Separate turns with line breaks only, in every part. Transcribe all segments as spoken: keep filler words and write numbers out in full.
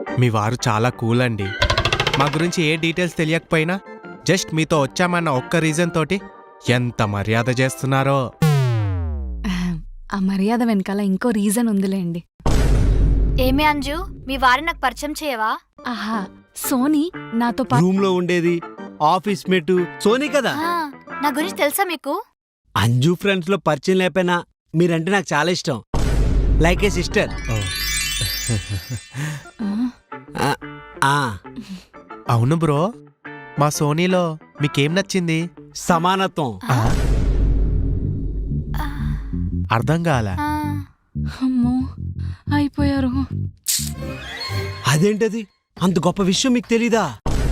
మీ వారు చాలా కూల్ అండి. మా గురించి ఏ డీటెయిల్స్ తెలియకపోయినా జస్ట్ మీతో వచ్చామన్న ఒక్క రీజన్ తోటి ఎంత మర్యాద చేస్తున్నారో.
ఆ మర్యాద వెనకాల ఇంకో రీజన్ ఉందిలేండి.
ఏమే అంజు, మీ వారిని నాకు పరిచయం చేయవా?
ఆహా, సోనీ నాతో పాటు
రూమ్ లో ఉండేది ఆఫీస్ మేటు సోనీ కదా.
ఆ, నా గురించి తెలుసా మీకు?
అంజు ఫ్రెండ్స్ లో పరిచయం లేకపోయినా మీరంటే నాకు చాలా ఇష్టం. Like a sister.
అవును బ్రో, మా సోనీలో మీకేం నచ్చింది?
సమానత్వం.
అర్థం కాల.
అమ్మో అయిపోయారు.
అదేంటది, అంత గొప్ప విషయం మీకు తెలీదా?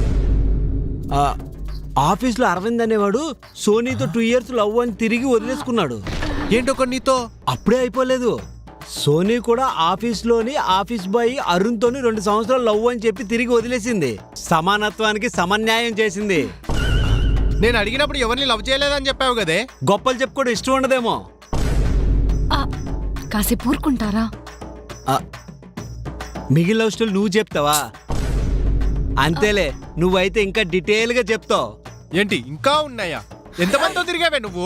ఆఫీస్ లో అరవింద్ అనేవాడు సోనీతో టూ ఇయర్స్ లవ్ అని తిరిగి వదిలేసుకున్నాడు.
ఏంటో నీతో
అప్పుడే అయిపోలేదు. సోనీ కూడా ఆఫీస్ లోని ఆఫీస్ బాయ్ అరుణ్ తోని రెండు సంవత్సరాలు లవ్ అని చెప్పి తిరిగి వదిలేసింది. సమానత్వానికి సమన్యాయం చేసింది.
నేను అడిగినప్పుడు ఎవరిని లవ్ చేయలేదని చెప్పావు కదే.
గొప్పలు చెప్పుకోవడం ఇష్టం ఉండదేమో.
కాసేపు ఊరుకుంటారా?
మిగిలిన లవ్ స్టోరీ నువ్వు చెప్తావా? అంతేలే, నువ్వైతే ఇంకా డీటెయిల్ గా చెప్తావు.
ఏంటి ఇంకా ఉన్నాయా? ఎంతమందితో తిరిగావే నువ్వు?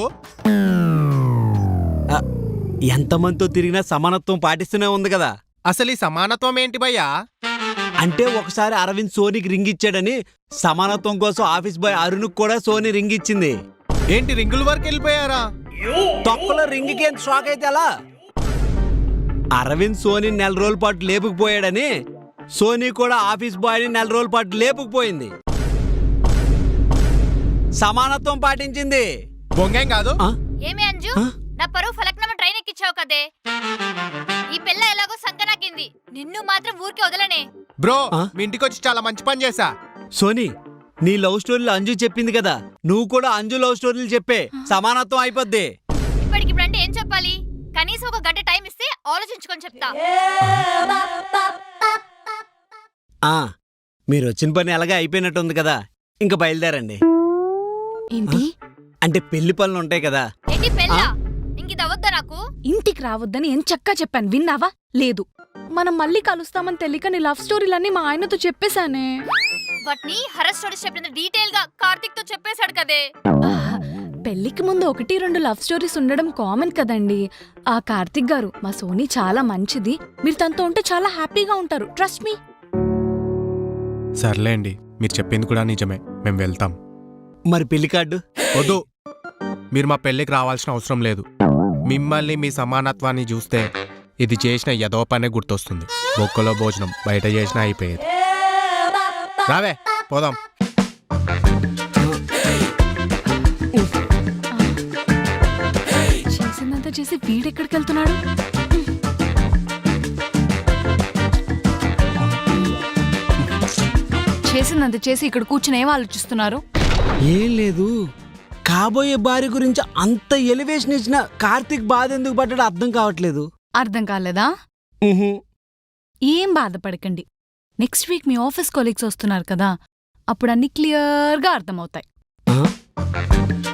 ఎంతమందితో తిరిగినా సమానత్వం పాటిస్తూనే ఉంది కదా.
అసలు ఈ సమానత్వం ఏంటి భయ్యా?
అంటే ఒకసారి అరవింద్ సోనీకి రింగ్ ఇచ్చాడని సమానత్వం కోసం ఆఫీస్ బాయ్ అరుణ్ కూడా సోనీ రింగ్ ఇచ్చింది.
ఏంటి రింగుల వరకు వెళ్ళిపోయారా?
తొక్కలో రింగ్కి ఎంత షాక్ అయితే అలా. అరవింద్ సోనీ నెల రోజుల పాటు లేపుకుపోయాడని సోనీ కూడా ఆఫీస్ బాయ్ని నెల రోజుల పాటు లేపుకుపోయింది. సమానత్వం పాటించింది.
బొంగేం కాదు.
ఏమే అంజు, నా పరువు ఫలక్నామా ట్రైన్ ఎక్కించావు కదే. ఈ పిల్ల ఎలాగో సంకనాకింది, నిన్ను మాత్రం ఊరికే వదలనే.
బ్రో, మీ ఇంటికి వచ్చి చాలా మంచి పని చేశా.
సోనీ, నీ లవ్ స్టోరీలు అంజు చెప్పింది కదా, నువ్వు కూడా అంజు లవ్ స్టోరీలు చెప్పే. సమానత్వం అయిపోద్ది.
ఇప్పటికిప్పుడు అంటే ఏం చెప్పాలి? కనీసం ఒక గంట టైం ఇస్తే ఆలోచించుకొని చెప్తా.
ఆ మీరు వచ్చిన పని ఎలాగా అయిపోయినట్టుంది కదా, ఇంకా బయలుదేరండి.
ఏంటి
అంటే పెళ్లి పనులు ఉంటాయి కదా.
ఏంటి పెళ్ళా? ఇంకిది అవద్దా నాకు?
ఇంటికి రావద్దని ఏం చక్కా చెప్పాను, విన్నావా? లేదు, మనం మళ్ళీ కలుస్తామని తెలియక నీ లవ్ స్టోరీలన్నీ మా ఆయనతో చెప్పేశానే.
వాటిని హర్రర్ స్టోరీస్ చెప్పినంత డీటెయిల్ గా కార్తిక్ తో చెప్పేశాడు కదే.
పెళ్లికి ముందు ఒకటి రెండు లవ్ స్టోరీస్ ఉండడం కామన్ కదండి. ఆ కార్తిక్ గారు మా సోనీ చాలా మంచిది, మీరు తనతో ఉంటే చాలా హ్యాపీగా ఉంటారు, ట్రస్ట్ మీ.
సర్లేండి, మీరు చెప్పింది కూడా నిజమే, మేము వెళ్తాం.
మరి పెళ్లి కార్డు
వద్దు, మీరు మా పెళ్ళికి రావాల్సిన అవసరం లేదు. మిమ్మల్ని మీ సమానత్వాన్ని చూస్తే ఇది చేసిన ఏదో పనే గుర్తొస్తుంది. బొక్కలో భోజనం బయట చేసినా అయిపోయేది. రావే పోదాం.
చేసిందంతా చేసి వీడెక్కడికి వెళ్తున్నాడు? చేసిందంత చేసి ఇక్కడ కూర్చుని ఏం ఆలోచిస్తున్నారు?
ఏం లేదు, కాబోయే భార్య గురించి అంత ఎలివేషన్ ఇచ్చిన కార్తిక్ బాధ ఎందుకు పడ్డాడో అర్థం కావట్లేదు.
అర్థం కాలేదా? ఏం బాధపడకండి, నెక్స్ట్ వీక్ మీ ఆఫీస్ కొలీగ్స్ వస్తున్నారు కదా, అప్పుడు అన్ని క్లియర్గా అర్థమవుతాయి.